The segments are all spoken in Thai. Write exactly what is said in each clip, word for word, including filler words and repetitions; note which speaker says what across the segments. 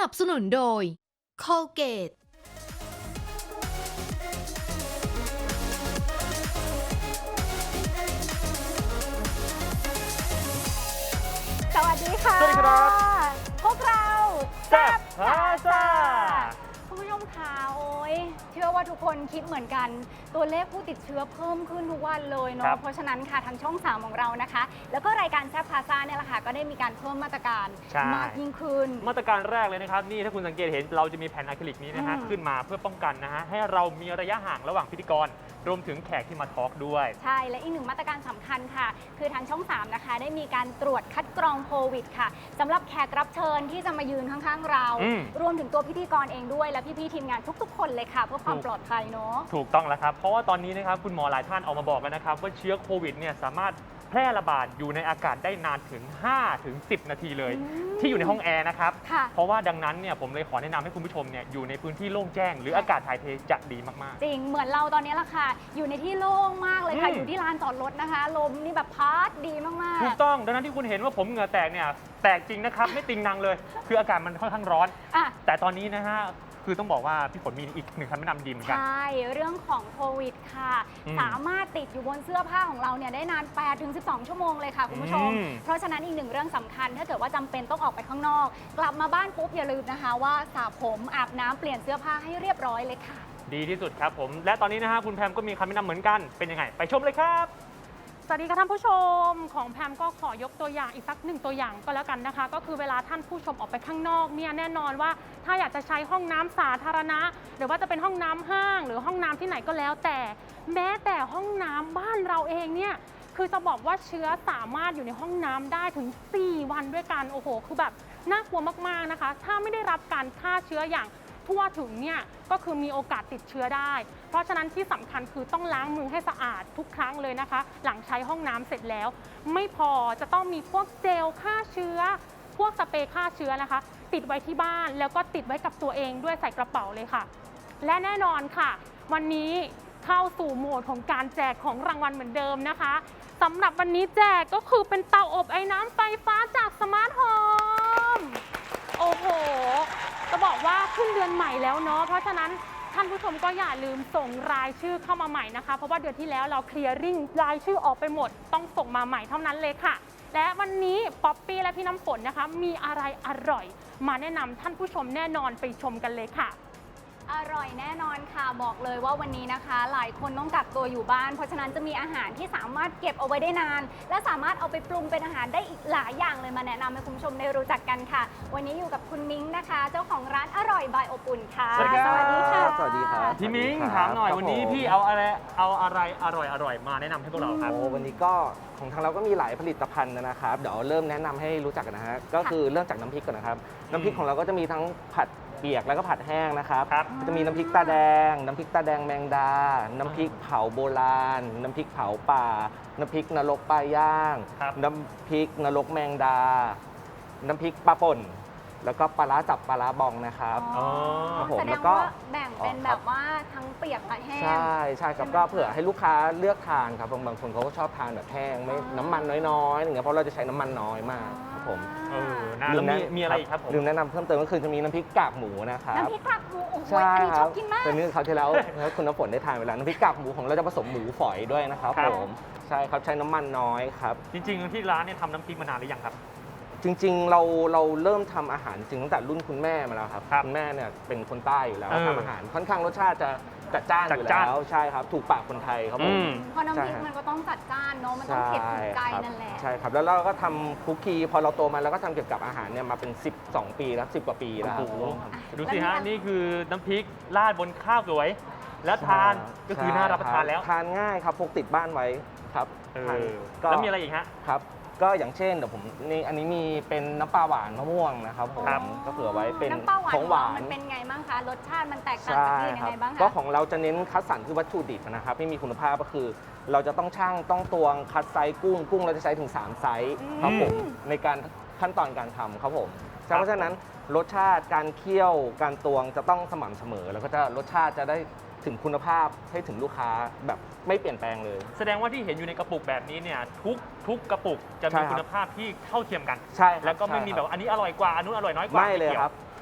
Speaker 1: นับสนุนโดย Colgate
Speaker 2: สวัสดีค่ะ
Speaker 3: สวัสดีครับ
Speaker 2: พวกเรา
Speaker 3: แซ่บพาซ่า
Speaker 2: คุณผู้ชมคะโอ้ยเชื่อว่าทุกคนคิดเหมือนกัน ตัวเลขผู้ติดเชื้อเพิ่มขึ้นทุกวันเลย
Speaker 3: ครั
Speaker 2: เนาะ
Speaker 3: บ
Speaker 2: เพราะฉะนั้นค่ะทางช่องสามของเรานะคะ แล้วก็รายการแซ่บพาซ่าเนี่ยแหละค่ะก็ได้มีการเพิ่มมาตรการ
Speaker 3: ใช่
Speaker 2: มากยิ่งขึ้น
Speaker 3: มาตรการแรกเลยนะครับ นี่ถ้าคุณสังเกตเห็นเราจะมีแผ่นอะคริลิกนี้นะฮะ
Speaker 2: อืม
Speaker 3: ขึ้นมาเพื่อป้องกันนะฮะให้เรามีระยะห่างระหว่างพิธีกรรวมถึงแขกที่มาทอล์กด้วย
Speaker 2: ใช่ และอีกหนึ่งมาตรการสำคัญค่ะ คือทางช่องสามนะคะได้มีการตรวจคัดกรองโควิดค่ะสำหรับแขกรับเชิญที่จะมายืนข้างๆเรา
Speaker 3: อืม
Speaker 2: รวมถึงตัวพิธีกรเองด้วยและพี่ๆทีมงานทุกๆ คนเลยค่ะ เพื่อความ
Speaker 3: ถูก
Speaker 2: ปลอดภัยเนาะ
Speaker 3: ถูกต้องแล้วครับ เพราะว่าตอนนี้นะครับคุณหมอหลายท่านออกมาบอกแล้วนะครับ ว่าเชื้อโควิดเนี่ยสามารถแพร่ระบาดอยู่ในอากาศได้นานถึง ห้าถึงสิบ นาทีเลย
Speaker 2: อืม
Speaker 3: ที่อยู่ในห้องแอร์นะครับ
Speaker 2: ค่ะ
Speaker 3: เพราะว่าดังนั้นเนี่ยผมเลยขอแนะนำให้คุณผู้ชมเนี่ยอยู่ในพื้นที่โล่งแจ้ง หรืออากาศถ่ายเทจะดีมากๆ
Speaker 2: จริง เหมือนเราตอนนี้ละค่ะ อยู่ในที่โล่งมากเลยค่ะ
Speaker 3: อืม
Speaker 2: อยู่ที่ลานจอดรถนะคะ ลมนี่แบบพัดดีมาก
Speaker 3: ถูกต้องดังนั้นที่คุณเห็นว่าผมเหงื่อแตกเนี่ยแตกจริงนะครับ ไม่ติงนางเลย คืออากาศมันค่อนข้างร้อน
Speaker 2: ๆอ่ะ
Speaker 3: แต่ตอนนี้นะฮะคือต้องบอกว่าพี่ฝนมีอีกหนึ่งคำแนะนำดีเหมือนกัน
Speaker 2: ใช่ เรื่องของโควิดค่ะ
Speaker 3: อืม
Speaker 2: สามารถติดอยู่บนเสื้อผ้าของเราเนี่ยได้นาน แปดถึงสิบสอง ชั่วโมงเลยค่ะคุณผู้ชม
Speaker 3: อืม
Speaker 2: เพราะฉะนั้นอีกหนึ่งเรื่องสำคัญ ถ้าเกิดว่าจำเป็นต้องออกไปข้างนอก กลับมาบ้านปุ๊บอย่าลืมนะคะว่าสระผมอาบน้ำเปลี่ยนเสื้อผ้าให้เรียบร้อยเลยค่ะ
Speaker 3: ดีที่สุดครับผม และตอนนี้นะฮะคุณแพมก็มีคำแนะนำเหมือนกันเป็นยังไง ไปชมเลยครับ
Speaker 4: สวัสดีค่ะท่านผู้ชมของแพมก็ขอยกตัวอย่างอีกสักหนึ่งตัวอย่างก็แล้วกันนะคะ ก็คือเวลาท่านผู้ชมออกไปข้างนอกเนี่ยแน่นอนว่าถ้าอยากจะใช้ห้องน้ำสาธารณะ หรือว่าจะเป็นห้องน้ำห้าง หรือห้องน้ำที่ไหนก็แล้วแต่ แม้แต่ห้องน้ำบ้านเราเองเนี่ยคือจะบอกว่าเชื้อสามารถอยู่ในห้องน้ำได้ถึงสี่วันด้วยกันโอ้โหคือแบบน่ากลัวมากๆนะคะ ถ้าไม่ได้รับการฆ่าเชื้ออย่างทั่วถึงเนี่ยก็คือมีโอกาสติดเชื้อได้ เพราะฉะนั้นที่สำคัญคือต้องล้างมือให้สะอาดทุกครั้งเลยนะคะ หลังใช้ห้องน้ำเสร็จแล้ว ไม่พอจะต้องมีพวกเจลฆ่าเชื้อ พวกสเปรย์ฆ่าเชื้อนะคะ ติดไว้ที่บ้านแล้วก็ติดไว้กับตัวเองด้วยใส่กระเป๋าเลยค่ะ และแน่นอนค่ะ วันนี้เข้าสู่โหมดของการแจกของรางวัลเหมือนเดิมนะคะสำหรับวันนี้แจกก็คือเป็นเตาอบไอ้น้ำไฟฟ้าจากสมาร์ทโฮมโอ้โห จะบอกว่าขึ้นเดือนใหม่แล้วเนาะ เพราะฉะนั้นท่านผู้ชมก็อย่าลืมส่งรายชื่อเข้ามาใหม่นะคะ เพราะว่าเดือนที่แล้วเราเคลียร์ริ่งรายชื่อออกไปหมด ต้องส่งมาใหม่เท่านั้นเลยค่ะ และวันนี้ป๊อปปี้และพี่น้ำฝนนะคะ มีอะไรอร่อย มาแนะนำท่านผู้ชมแน่นอนไปชมกันเลยค่ะ
Speaker 2: อร่อยแน่นอนค่ะบอกเลยว่าวันนี้นะคะ หลายคนต้องกักตัวอยู่บ้าน เพราะฉะนั้นจะมีอาหารที่สามารถเก็บเอาไว้ได้นาน และสามารถเอาไปปรุงเป็นอาหารได้อีกหลายอย่างเลยมาแนะนำให้คุณผู้ชมได้รู้จักกันค่ะ วันนี้อยู่กับคุณมิ้งนะคะ เจ้าของร้านอร่อยบายอบอุ่นค่ะ
Speaker 3: สวัสดีครับ
Speaker 2: สวัสดีค่ะ
Speaker 5: สวัสดีครับ
Speaker 3: พี่มิ้ง
Speaker 5: สวัสดี
Speaker 3: ถาม
Speaker 5: ครับ
Speaker 3: หน่อย
Speaker 5: ครับ
Speaker 3: วันนี้
Speaker 5: ผม
Speaker 3: พี่เอาอะไรเอาอะไรอร่อยอร่อยมาแนะนำให้พวกเราครับ
Speaker 5: โอ้วันนี้ก็ของทางเราก็มีหลายผลิตภัณฑ์นะครับ เดี๋ยวเริ่มแนะนำให้รู้จักกันนะฮะ ก็คือเริ่มจากน้ำพริกก่อนนะครับ น้ำพริกของเราก็จะมีทั้งผัดเปียกแล้วก็ผัดแห้งนะครับ
Speaker 3: ครับ
Speaker 5: จะมีน้ำพริกตาแดง น้ำพริกตาแดงแมงดา น้ำพริกเผาโบราณ น้ำพริกเผาป่า น้ำพริกนรกปลาย่าง
Speaker 3: ครับ
Speaker 5: น้ำพริกนรกแมงดา น้ำพริกปลาป่น แล้วก็ปลาร้าจับปลาร้าบองนะครับ
Speaker 2: อ๋อ
Speaker 5: ครับผม
Speaker 2: แสด
Speaker 5: แล้
Speaker 2: ง
Speaker 5: วก็
Speaker 2: ว่าแบ่งเป็น
Speaker 5: อ๋อ
Speaker 2: แบ
Speaker 5: ครับ
Speaker 2: บว่าทั้งเปียกและแห้ง
Speaker 5: ใช่ใช่ครับ
Speaker 2: ใช่ไหม
Speaker 5: ก็เผื่อให้ลูกค้าเลือกทานครับบางบางคนเขาก็ชอบทานแบบแห้งไม่
Speaker 2: อ๋อ
Speaker 5: น้ำมันน้อยๆอย่างเงี้ยเพราะเราจะใช้น้ำมันน้อยมากครับผม
Speaker 3: เออนะแล้วมีมีอะไรอีกครับผม
Speaker 5: ลืมแนะนำเพิ่มเติมก็คือจะมีน้ำพริกกากหมูนะครับ
Speaker 2: น้ำพริกกากหมูโอ้โห
Speaker 5: ใช่
Speaker 2: อันนี้
Speaker 5: ค
Speaker 2: ช
Speaker 5: รั
Speaker 2: อบกินมาก
Speaker 5: เป็นนี่เขาวที่แล้วแล้วคุณน้ำฝนได้ทานไปแล้วน้ำพริกกากหมูของเราจะผสมหมูฝอยด้วยนะครับ
Speaker 3: ครับ
Speaker 5: ผมใช่ครับใช้น้ำมันน้อยครับ
Speaker 3: จริงๆที่ร้านเนี่ยทำน้ำพริกมานานหรือยังครับ
Speaker 5: จริงๆ เราเราเริ่มทำอาหารจริงตั้งแต่รุ่นคุณแม่มาแล้วครับ
Speaker 3: ครับ
Speaker 5: ณแม่เนี่ยเป็นคนใต้อยู่แล้ว
Speaker 3: เออ
Speaker 5: ทำอาหารค่อนข้างรสชาติจะจัดจ้านอยู่
Speaker 3: จัดจ้าน
Speaker 5: แล้วใช่ครับถูกปากคนไทยครับผ
Speaker 3: อื
Speaker 5: ม
Speaker 3: ม
Speaker 2: เพราะน้ำพริก
Speaker 5: ใช่
Speaker 2: มันก็ต้องจัดจ้านเนาะ มันต้องเผ็ดถึงใจ
Speaker 5: ครับ
Speaker 2: นั่นแหละ
Speaker 5: ใช่ครับแล้วเราก็ทำคุกกี้พอเราโตมาเราก็ทำเกี่ยวกับอาหารเนี่ยมาเป็นสิบสองปีแล้วสิบกว่าปีแล้วครับ
Speaker 3: โอ้โห
Speaker 2: อ่ะ
Speaker 3: ดูสิฮะ
Speaker 2: แล้วมี
Speaker 3: นี่คือน้ำพริกราดบนข้าวสวย แล้วทานก็คือน่ารับประทานแล้ว
Speaker 5: ทานง่ายครับพกติดบ้านไว้ครับ
Speaker 3: เอ
Speaker 5: ทาน
Speaker 3: อ
Speaker 5: ก็
Speaker 3: แล้วมีอะไรอีกฮะ
Speaker 5: ครับ ก็อย่างเช่นเดี๋ยวผมนี่อันนี้มีเป็นน้ำปลาหวานมะม่วงนะครับผม
Speaker 3: ครับ
Speaker 5: ก็เผื่อไว้เป็น
Speaker 2: น้ำปลาหวาน
Speaker 5: ของหวา
Speaker 2: มัน นเป็นไงบ้างคะ รสชาติมันแตกต่าง
Speaker 5: ใช่
Speaker 2: จากที่อื่น
Speaker 5: ค
Speaker 2: ยั
Speaker 5: รั
Speaker 2: งไงบ้าง
Speaker 5: ก็
Speaker 2: คะ
Speaker 5: ของเราจะเน้นคัดสรรคือวัตถุดิบนะครับที่มีคุณภาพก็คือ เราจะต้องชั่งต้องตวงคัดไซส์กุ้งกุ้งเราจะใช้ถึงสามไซส์ครับผมในการขั้นตอนการทำครับผมใช่เพราะฉะนั้นรสชาติการเคี่ยวการตวงจะต้องสม่ำเสมอ แล้วก็จะรสชาติจะได้ถึงคุณภาพให้ถึงลูกค้าแบบไม่เปลี่ยนแปลงเลย
Speaker 3: แสดงว่าที่เห็นอยู่ในกระปุกแบบนี้เนี่ยทุกทุกกระปุกจะ
Speaker 5: ใช่
Speaker 3: มี
Speaker 5: ครับ
Speaker 3: คุณภาพที่เท่าเทียมกัน
Speaker 5: ใช่ครับ
Speaker 3: แล้วก็ไม่มี
Speaker 5: ใช่
Speaker 3: แบบอันนี้อร่อยกว่าอันนู้นอร่อยน้อยกว่า
Speaker 5: ไม่เลย
Speaker 3: กี่ว
Speaker 5: ครับ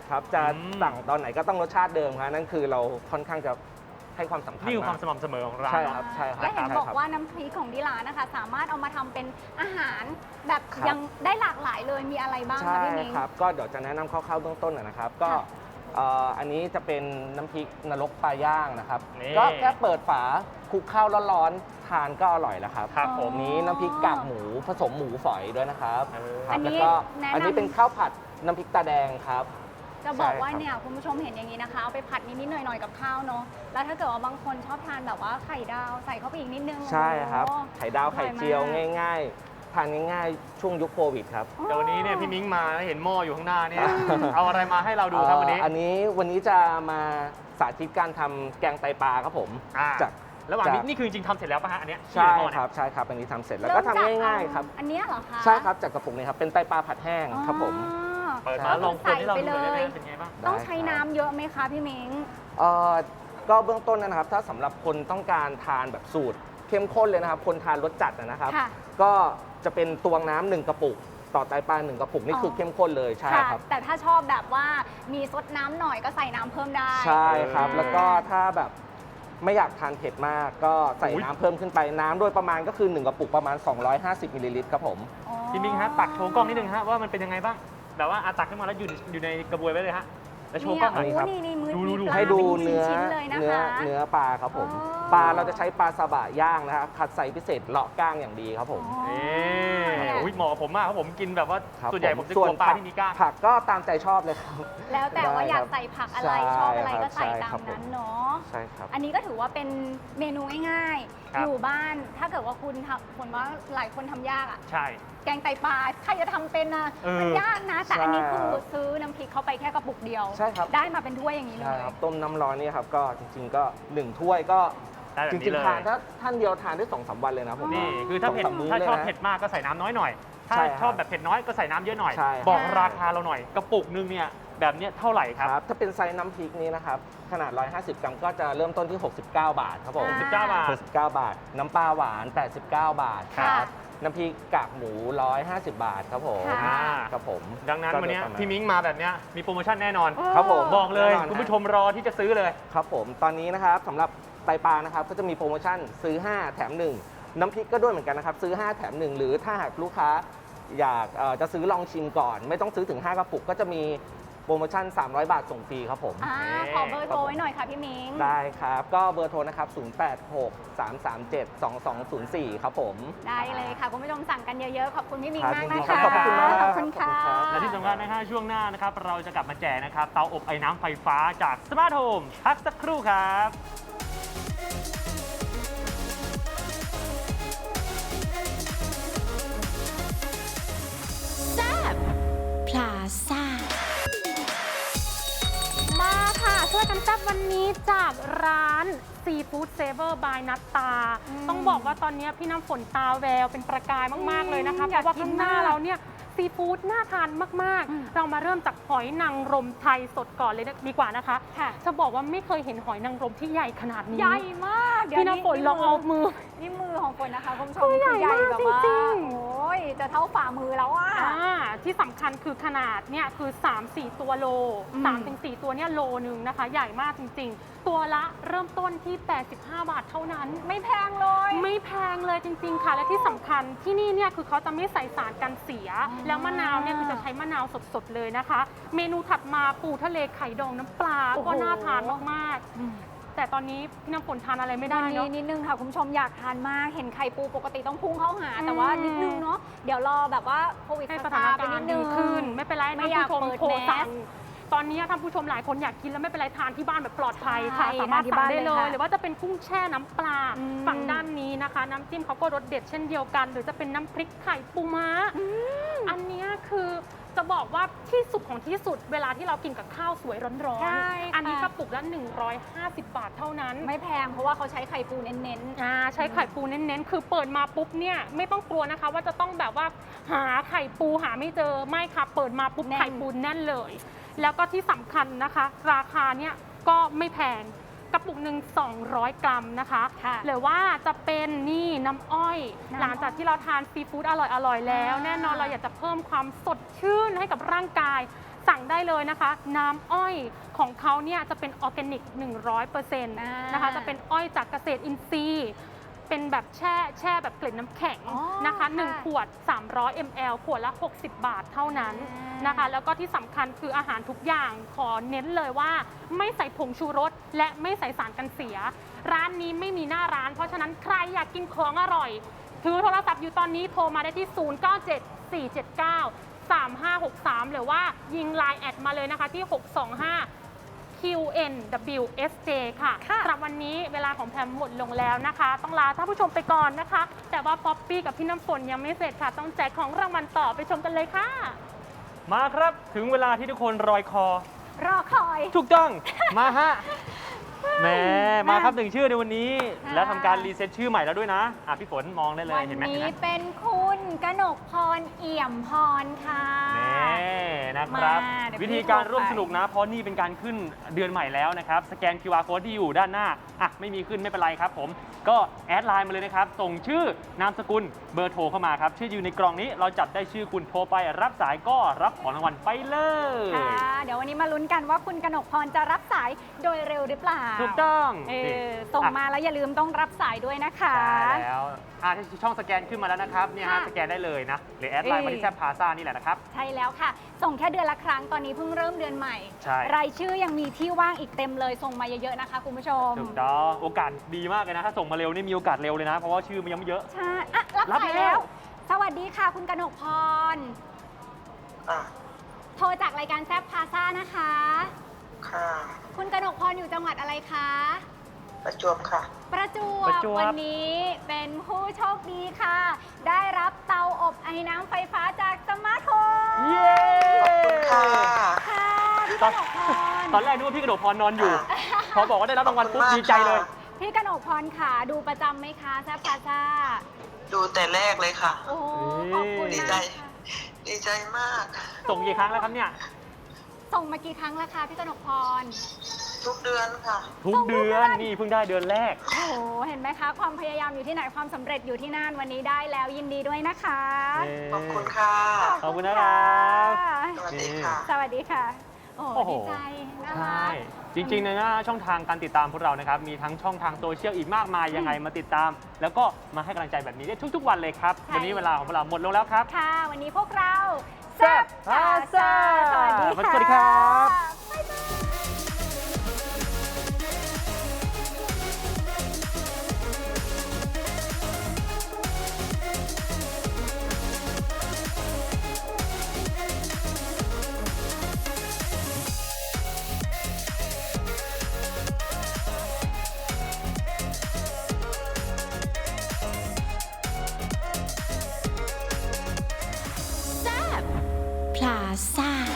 Speaker 5: ครับจะ
Speaker 3: อืม
Speaker 5: สั่งตอนไหนก็ต้องรสชาติเดิมครับนั่นคือเราค่อนข้างจะให้ความสำคัญ
Speaker 3: นี่คือความ
Speaker 5: ก
Speaker 3: สม่ำเสมอของร้าน
Speaker 5: ใช่
Speaker 3: เนาะ
Speaker 5: ครับใช่ครับ
Speaker 2: และเห็น
Speaker 5: ใช่
Speaker 2: บอก
Speaker 5: ครับ
Speaker 2: ว่าน้ำพริกของที่ร้านนะคะ สามารถเอามาทำเป็นอาหารแบบ
Speaker 5: ครับ
Speaker 2: ยังได้หลากหลายเลยมีอะไรบ้าง
Speaker 5: ใช่
Speaker 2: คะพี่มิ้ง
Speaker 5: ครับก็เดี๋ยวจะแนะนำคร่าวๆเบื้องต้นนะนะครับ ก็
Speaker 2: ค่ะ
Speaker 5: เอ่ออันนี้จะเป็นน้ำพริกนรกปลาย่างนะครับ
Speaker 3: นี่
Speaker 5: ก็แค่เปิดฝาคลุกข้าวร้อนๆทานก็อร่อยแล้วครับ
Speaker 3: ครับผม
Speaker 5: นี้น้ำพริกกากหมูผสมหมูฝอยด้วยนะครับ
Speaker 3: เออ
Speaker 5: ครับ
Speaker 2: อันนี้
Speaker 5: แล้วก็
Speaker 2: แนะนำ
Speaker 5: อันนี้เป็นข้าวผัดน้ำพริกตาแดงครับ
Speaker 2: จะบอกว่า
Speaker 5: ใช่ครับ
Speaker 2: เนี่ยคุณผู้ชมเห็นอย่างนี้นะคะ เอาไปผัดนิดๆหน่อยๆกับข้าวเนาะแล้วถ้าเกิดว่าบางคนชอบทานแบบว่าไข่ดาวใส่เข้าไปอีกนิดนึง
Speaker 5: ใช่ครับ
Speaker 2: โอ้
Speaker 5: ไข่ดาว
Speaker 2: อร่
Speaker 5: ไข่
Speaker 2: อยมาก
Speaker 5: เจียวง่ายๆ ทานง่ายๆ ช่วงยุคโควิดครับ
Speaker 3: แต่วันนี้เนี่ยพี่มิ้งมาแล้วเห็นหม้ออยู่ข้างหน้าเนี่ย เอาอะไรมาให้เราดูครับวันนี้
Speaker 5: เอ่ออันนี้วันนี้จะมาสาธิตการทำแกงไตปลาครับผม
Speaker 3: อ่า
Speaker 5: จาก
Speaker 3: ระหว่างนี้
Speaker 5: จาก
Speaker 3: นี่คือจริงๆทำเสร็จแล้วป่ะฮะอันเนี้ยที่
Speaker 5: ใช่
Speaker 3: อยู่ในหม้อ
Speaker 5: ค
Speaker 3: เนี่ย
Speaker 5: รับใช่ครับอันนี้ทำเสร็จแล้ว
Speaker 2: เริ่
Speaker 5: ก็
Speaker 2: ม
Speaker 5: ทำ
Speaker 2: จาก
Speaker 5: ง่ายๆครับ
Speaker 2: อันเนี้ยเหรอคะ
Speaker 5: ใช่ครับจากกระปุกนี้ครับเป็นไตปลาผัดแห้งครับผม
Speaker 2: อ๋อ
Speaker 3: เปิดมาลองคนให้เราดูเลยได้ไหม
Speaker 2: ใส่ไปเลย
Speaker 3: เป็นไงบ้าง
Speaker 2: ต้อง
Speaker 5: ได้
Speaker 2: ใช้
Speaker 5: ครับ
Speaker 2: น้ำเยอะไหมคะพี่มิ้ง
Speaker 5: เอ่อก็เบื้องต้นนะครับ ถ้าสำหรับคนต้องการทานแบบสูตรเข้มข้นเลยนะครับ คนทานรสจัดนะครับ
Speaker 2: ค่ะ
Speaker 5: ก็จะเป็นตวงน้ำหนึ่งกระปุก ต่อไตปลาหนึ่งกระปุกนี่คือเข้มข้นเลยใช่
Speaker 2: ค่ะ
Speaker 5: ครับ
Speaker 2: แต่ถ้าชอบแบบว่ามีซดน้ำหน่อยก็ใส่น้ำเพิ่มได้
Speaker 5: ใช่ครับ
Speaker 3: เออ
Speaker 5: แล้วก็ถ้าแบบไม่อยากทานเผ็ดมาก ก็ใส่
Speaker 3: อุ๊ย
Speaker 5: น้ำเพิ่มขึ้นไปน้ำโดยประมาณก็คือหนึ่งกระปุกประมาณสองร้อยห้าสิบมิลลิลิตรครับผม
Speaker 2: อ๋อ
Speaker 3: พี่มิ้งฮะตักโชว์กล้องนิดนึงฮะว่ามันเป็นยังไงบ้างแบบว่าอาตักขึ้นมาแล้วอยู่อยู่ในกระบวยไว้เลยฮะแล้วโชว์กล้องหน่อย
Speaker 2: เนี่ยโอ้นี่นี่มือ
Speaker 3: ดูดูดู
Speaker 2: มีปลา
Speaker 5: ให้ดู
Speaker 2: ป็
Speaker 5: เนื้อ
Speaker 2: ชิ้นๆเลยนะ
Speaker 5: เนื้อ
Speaker 2: คะ
Speaker 5: เนื้อปลาครับผม
Speaker 2: อ๋อ
Speaker 5: ปลาเราจะใช้ปลาซาบะย่างนะครับคัดไซส์พิเศษเลาะก้างอย่างดีครับผม
Speaker 2: อ๋อ
Speaker 3: นี่โอ้ยเหมาะกับผมมากครับผมกินแบบว่า
Speaker 5: ครับ
Speaker 3: ส่วนใหญ่ผมจะก
Speaker 5: ส่
Speaker 3: ลัวปลา
Speaker 5: ผั
Speaker 3: ที่มีกล้าง
Speaker 5: ผักก็ตามใจชอบเลยครับ
Speaker 2: แล้วแต่ว่าอยากใส่ผักอะไร
Speaker 5: ใช่
Speaker 2: ชอบอะไรก็ใส่
Speaker 5: ครับ
Speaker 2: ตาม
Speaker 5: ใช่ครับ
Speaker 2: นั้นเนาะ
Speaker 5: ใช่ครับ
Speaker 2: อันนี้ก็ถือว่าเป็นเมนูง่าย
Speaker 3: ครับ
Speaker 2: ๆ อยู่บ้านถ้าเกิดว่าคุณทำผลว่าหลายคนทำยากอะ
Speaker 3: ใช่
Speaker 2: แกงไตปลาใครจะทำเป็นนะ
Speaker 3: เออ
Speaker 2: มันยากนะ แต่อันนี้คือ
Speaker 5: ใช่
Speaker 2: ซื้อน้ำพริกเข้าไปแค่กระปุกเดียว
Speaker 5: ใช่ครับ
Speaker 2: ได้มาเป็นถ้วยอย่างนี้เล
Speaker 5: ใช่
Speaker 2: ย
Speaker 5: ครับต้มน้ำร้อนนี่ครับก็จริงๆก็หนึ่งถ้วยก็
Speaker 3: ได้แบบ
Speaker 5: จ
Speaker 3: นี้
Speaker 5: ริง
Speaker 3: เลย
Speaker 5: ๆทานถ้าท่านเดียวทานได้สองสามวันเลยนะผม
Speaker 3: นี่คือถ้าเผ็ด
Speaker 5: สงสมมื้
Speaker 3: ถ้า
Speaker 5: เลย
Speaker 3: ชอบ
Speaker 5: นะ
Speaker 3: เผ็ดมากก็ใส่น้ำน้อยหน่อย ถ้า
Speaker 5: ใช่ครับ
Speaker 3: ชอบแบบเผ็ดน้อยก็ใส่น้ำเยอะหน่อย
Speaker 5: ใช่ครับ
Speaker 3: บอกราคาเราหน่อย กระปุกนึงเนี่ยแบบเนี้ยเท่าไหร่ครับ
Speaker 5: ครับถ้าเป็นไซส์น้ำพริกนี้นะครับขนาดหนึ่งร้อยห้าสิบกรัมก็จะเริ่มต้นที่ หกสิบเก้า บาทครับผม
Speaker 2: อ่า
Speaker 3: สิบเก้าบาท
Speaker 5: หกสิบเก้าบาท น้ำปลาหวาน แปดสิบเก้า บาทค
Speaker 2: ค่ะ
Speaker 5: รับน้ำพริกกากหมู หนึ่งร้อยห้าสิบ บาทครับผม
Speaker 2: ค่ะ
Speaker 5: ครับผม
Speaker 3: ดังนั้นวันเนี้ย
Speaker 5: ก็โดยประาณ
Speaker 3: พี่มิ้งมาแบบเนี้ยมีโปรโมชั่นแน่นอน
Speaker 5: ครับผม
Speaker 3: บอกเลย
Speaker 5: แน่นอน
Speaker 3: คุณ
Speaker 5: ฮะ
Speaker 3: ผู้ชมรอที่จะซื้อเลย
Speaker 5: ครับผมตอนนี้นะครับสำหรับไตปลานะครับก็จะมีโปรโมชั่นซื้อ ห้า แถม หนึ่ง น้ำพริกก็ด้วยเหมือนกันนะครับ ซื้อ ห้า แถม หนึ่ง หรือถ้าหากลูกค้าอยากเอ่อจะซื้อลองชิมก่อน ไม่ต้องซื้อถึง ห้ากระปุก ก็จะมีโปรโมชั่น สามร้อย บาทส่งฟรีครับผม
Speaker 2: อ่า
Speaker 3: นี่
Speaker 2: ขอเบอร์โทรไว้หน่อยค่ะพี่มิ้ง
Speaker 5: ได้ครับ ก็เบอร์โทรนะครับ ศูนย์ แปด หก สาม สาม เจ็ด สอง สอง ศูนย์ สี่ ครับผม
Speaker 2: ได้เลยค่ะ คุณผู้ชมสั่งกันเยอะๆ ขอบคุณพี่มิ้ง
Speaker 5: ครับ
Speaker 2: มาก
Speaker 5: ยินดี
Speaker 2: นะ
Speaker 5: ครั
Speaker 2: คะ
Speaker 5: บขอบคุณมาก
Speaker 2: ขอบคุณค่ะ
Speaker 5: ขอบคุณครับ
Speaker 3: และที่สำคัญนะฮะช่วงหน้านะครับเราจะกลับมาแจกนะครับเตาอบไอ้น้ำไฟฟ้าจากสมาร์ทโฮมพักสักครู่ครับ
Speaker 1: แซ่บพลาซ่า
Speaker 4: มาค่ะ ช่วยกันแซ่บวันนี้จากร้านซีฟู้ดเซเวอร์บายนัตตา
Speaker 2: อืม
Speaker 4: ต้องบอกว่าตอนนี้พี่น้ำฝนตาแววเป็นประกายมาก ๆ เลยนะคะ
Speaker 2: อืม
Speaker 4: เพราะว่า
Speaker 2: อยากกิน
Speaker 4: ข้างหน้าม
Speaker 2: าก
Speaker 4: เราเนี่ยซีฟู้ดน่าทานมาก
Speaker 2: อืม
Speaker 4: ๆ เรามาเริ่มจากหอยนางรมไทยสดก่อนเลยดีกว่านะคะ
Speaker 2: ค่ะ
Speaker 4: จะบอกว่าไม่เคยเห็นหอยนางรมที่ใหญ่ขนาดนี้
Speaker 2: ใหญ่มากเดี๋ยว
Speaker 4: พี่น้ำฝนลองเอามือ
Speaker 2: นี่มือของฝนนะคะคุณผู้ชม
Speaker 4: ตัวใหญ่
Speaker 2: คือ
Speaker 4: มาก
Speaker 2: แบบว่า
Speaker 4: จริงๆ
Speaker 2: โอ้ยจะเท่าฝ่ามือแล้วอ่ะ
Speaker 4: อ่าที่สำคัญคือขนาดเนี่ยคือ สามสี่ ตัวโล
Speaker 2: อืม
Speaker 4: สามถึงสี่ ตัวเนี่ยโลนึงนะคะ ใหญ่มากจริง ๆ ตัวละเริ่มต้นที่ แปดสิบห้า บาทเท่านั้น
Speaker 2: ไม่แพงเลย
Speaker 4: ไม่แพงเลยจริง ๆ ค่ะ และที่สำคัญที่นี่เนี่ยคือเขาจะไม่ใส่สารกันเสีย
Speaker 2: อ๋อ
Speaker 4: แล้วมะนาวเนี่ยคือจะใช้มะนาวสด ๆ เลยนะคะ เมนูถัดมาปูทะเลไข่ดองน้ำปลา
Speaker 2: โอ้โห
Speaker 4: ก็น่าทานมากๆ แต่ตอนนี้พี่น้ำฝนทานอะไรไม่ได้
Speaker 2: วัน
Speaker 4: เนาะ
Speaker 2: นี้นิดนึงค่ะคุณผู้ชมอยากทานมาก เห็นไข่ปูปกติต้องพุ่งเข้าหา
Speaker 4: อืม
Speaker 2: แต่ว่านิดนึงเนาะ เดี๋ยวรอแบบว่าโควิด
Speaker 4: ให้
Speaker 2: ซ
Speaker 4: ส
Speaker 2: ซ
Speaker 4: ถาน
Speaker 2: ไป
Speaker 4: การ
Speaker 2: นิด
Speaker 4: ณ์
Speaker 2: นึ
Speaker 4: ดี
Speaker 2: ง
Speaker 4: ขึ้น ไม่เป็นไร
Speaker 2: ไม่
Speaker 4: ท่าน
Speaker 2: อยาก
Speaker 4: ผู้ชม
Speaker 2: เปิด
Speaker 4: โทรสั่
Speaker 2: แม
Speaker 4: ง
Speaker 2: ส
Speaker 4: ตอนนี้ท่านผู้ชมหลายคนอยากกินแล้วไม่เป็นไรทานที่บ้านแบบปลอดภัยค่ะ
Speaker 2: ใช่
Speaker 4: สามารถ
Speaker 2: ทานที่
Speaker 4: สั่ง
Speaker 2: บ้าน
Speaker 4: ได้
Speaker 2: เลย
Speaker 4: เลย
Speaker 2: ค่ะ
Speaker 4: หรือว่าจะเป็นกุ้งแช่น้ำปลา
Speaker 2: อืม
Speaker 4: ฝั่งด้านนี้นะคะ น้ำจิ้มเขาก็รสเด็ดเช่นเดียวกัน หรือจะเป็นน้ำพริกไข่ปูม้า อันเนี้ยคือจะบอกว่าที่สุดของที่สุดเวลาที่เรากินกับข้าวสวยร้อน
Speaker 2: ใช่
Speaker 4: ๆ
Speaker 2: ค่ะ
Speaker 4: อันนี้กระปุกละหนึ่งร้อยห้าสิบบาทเท่านั้น
Speaker 2: ไม่แพงเพราะว่าเขาใช้ไข่ปูเน้น
Speaker 4: อ่าใช้ไข่ปูเน้นๆ คือเปิดมาปุ๊บเนี่ยไม่ต้องกลัวนะคะ ว่าจะต้องแบบว่าหาไข่ปูหาไม่เจอไม่ค่ะเปิดมาปุ๊บ
Speaker 2: แน่น
Speaker 4: ไข่ปูแน่นเลย แล้วก็ที่สำคัญนะคะ ราคาเนี่ยก็ไม่แพงกระปุกหนึ่งสองร้อยกรัมนะคะ
Speaker 2: ค่ะ
Speaker 4: หรือว่าจะเป็นนี่น้ำอ้อย
Speaker 2: น้ำอ้อย
Speaker 4: หลังจากที่เราทานซีฟู้ดอร่อยๆแล้ว
Speaker 2: อ่า
Speaker 4: แน่นอนเราอยากจะเพิ่มความสดชื่นให้กับร่างกายสั่งได้เลยนะคะ น้ำอ้อยของเขาเนี่ยจะเป็นออร์แกนิก หนึ่งร้อยเปอร์เซ็นต์ นะคะ จะเป็นอ้อยจากเกษตรอินทรีย์ เป็นแบบแช่แช่แบบเกล็ดน้ำแข็ง
Speaker 2: อ๋อ
Speaker 4: นะคะหนึ่ง
Speaker 2: ค่ะ
Speaker 4: ขวด สามร้อยมิลลิลิตร ขวดละ หกสิบบาทเท่านั้น
Speaker 2: อ่าน
Speaker 4: นะคะ แล้วก็ที่สำคัญคืออาหารทุกอย่างขอเน้นเลยว่าไม่ใส่ผงชูรสและไม่ใส่สารกันเสีย ร้านนี้ไม่มีหน้าร้าน เพราะฉะนั้นใครอยากกินของอร่อย ถือโทรศัพท์อยู่ตอนนี้โทรมาได้ที่ ศูนย์ เก้า เจ็ด สี่ เจ็ด เก้า สาม ห้า หก สาม หรือว่ายิง ไลน์ แอดมาเลยนะคะที่ หก สอง ห้า คิว เอ็น ดับเบิลยู เอส เจ ค่ะ
Speaker 2: ค่ะ
Speaker 4: สำหรับวันนี้เวลาของแพมหมดลงแล้วนะคะ ต้องลาท่านผู้ชมไปก่อนนะคะ แต่ว่าป๊อปปี้กับพี่น้ำฝนยังไม่เสร็จค่ะ ต้องแจกของรางวัลต่อไปชมกันเลยค่ะ
Speaker 3: มาครับถึงเวลาที่ทุกคนรอยคอ
Speaker 2: รอคอย
Speaker 3: ถูกต้อง มาฮะแหมมาครับหนึ่งชื่อในวันนี้
Speaker 2: ค่ะ
Speaker 3: แล้วทำการรีเซ็ตชื่อใหม่แล้วด้วยนะอ่ะพี่ฝนมองได้เลย
Speaker 2: วัน
Speaker 3: เห็นไหมเห็น
Speaker 2: นี้
Speaker 3: ไหม
Speaker 2: เป็นคุณกนกพรเอี่ยมพรค่ะ
Speaker 3: นี่นะครับ
Speaker 2: มาเดี๋ยว
Speaker 3: วิธีการ
Speaker 2: พี่โทร
Speaker 3: ร่วม
Speaker 2: ไป
Speaker 3: สนุกนะ เพราะนี่เป็นการขึ้นเดือนใหม่แล้วนะครับ สแกน คิว อาร์ Code ที่อยู่ด้านหน้าอ่ะไม่มีขึ้นไม่เป็นไรครับผม ก็แอดไลน์มาเลยนะครับ ส่งชื่อนามสกุลเบอร์โทรเข้ามาครับ ชื่ออยู่ในกล่องนี้เราจับได้ชื่อคุณโทรไป รับสายก็รับของรางวัลไปเลย
Speaker 2: ค่ะ เดี๋ยววันนี้มาลุ้นกันว่าคุณกนกพรจะรับสายโดยเร็วหรือเปล่า
Speaker 3: ถูกต้อง
Speaker 2: เอ
Speaker 3: นี่
Speaker 2: อส่ง
Speaker 3: อ่ะ
Speaker 2: มาแล้วอย่าลืมต้องรับสายด้วยนะคะ
Speaker 3: ใช่แล้วอ่ะช่องสแกนขึ้นมาแล้วนะครับเนี่ยฮะ
Speaker 2: ค่ะ
Speaker 3: สแกนได้เลยนะหรือแอดไลน์มาที่แซบพาซ่านี่แหละนะครับ
Speaker 2: ใช่แล้วค่ะ ส่งแค่เดือนละครั้งตอนนี้เพิ่งเริ่มเดือนใหม่
Speaker 3: ใช่
Speaker 2: รายชื่อยังมีที่ว่างอีกเต็มเลย ส่งมาเยอะๆนะคะคุณผู้ชม
Speaker 3: ถูกต้องโอกาสดีมากเลยนะ ถ้าส่งมาเร็วนี่มีโอกาสเร็วเลยนะ เพราะว่าชื่อมันยังไม่เยอะ
Speaker 2: ใช่อ่ะรับ
Speaker 3: รับ
Speaker 2: สาย
Speaker 3: แล้
Speaker 2: แล้ว
Speaker 3: ว
Speaker 2: สวัสดีค่ะ คุณกนกพร
Speaker 6: อ่ะ
Speaker 2: โทรจากรายการแซบพาซ่านะคะ
Speaker 6: ค่ะ
Speaker 2: คุณกนกพรอยู่จังหวัดอะไรคะ
Speaker 6: ประจวบค่ะ
Speaker 2: ประจว
Speaker 3: ประ
Speaker 2: บ
Speaker 3: จวบ
Speaker 2: วันนี้เป็นผู้โชคดีค่ะ ได้รับเตาอบไอ้น้ำไฟฟ้าจากสมาร์ทโฮม
Speaker 3: เย้
Speaker 6: ค่ะ
Speaker 2: ค่ะพี่
Speaker 3: ต
Speaker 2: ก
Speaker 3: อน
Speaker 2: นกพร
Speaker 3: ตอนแรกนึกว่าพี่กระโดดพรนอนอยู่
Speaker 6: ค่ะ
Speaker 3: พอบอกว่าได้รับรางวัลปุ๊บ
Speaker 6: ขอบคุณมาก
Speaker 3: ดีใจเลย
Speaker 6: ค่ะ
Speaker 2: พี่กนกพรค่ะ ดูประจำไหมคะแซบพาซ่า
Speaker 6: ดูแต่แรกเลยค่ะ
Speaker 2: โอ้ขอบคุณ
Speaker 6: ดี
Speaker 2: มา
Speaker 6: ใจ
Speaker 2: กค่ะ
Speaker 6: ดีใจมาก
Speaker 3: ส่งกี่ครั้งแล้วครับเนี่ย
Speaker 2: ส่งมากี่ครั้งแล้วคะพี่กนกพร
Speaker 6: ทุกเดือนค่ะ
Speaker 3: ทุกเดือนนี่เพิ่งได้เดือนแรก
Speaker 2: โอ้โหเห็นไหมคะ ความพยายามอยู่ที่ไหนความสำเร็จอยู่ที่นั่นวันนี้ได้แล้วยินดีด้วยนะคะ
Speaker 6: ขอบคุณค่ะ
Speaker 3: ขอบคุณนะครับ
Speaker 6: สวัสดีค่ะ
Speaker 2: สวัสดีค่ะ โอ้
Speaker 3: โอ้โห
Speaker 2: ดีใจน่า
Speaker 3: ใช่
Speaker 2: รัก
Speaker 3: จริงๆนะช่องทางการติดตามพวกเรานะครับ มีทั้งช่องทางโซเชียลอีกมากมายยังไงมาติดตาม แล้วก็มาให้กำลังใจแบบนี้ได้ทุกๆวันเลยครับ
Speaker 2: ใช่
Speaker 3: วันนี้เวลาของพวกเราหมดลงแล้วครับ
Speaker 2: ค่ะ วันนี้พวกเรา
Speaker 3: แซ่บพาซ่า
Speaker 2: สวัสดีค่ะ
Speaker 3: สวัสดีครับ
Speaker 2: บ๊ายบาย
Speaker 1: พลาซ่า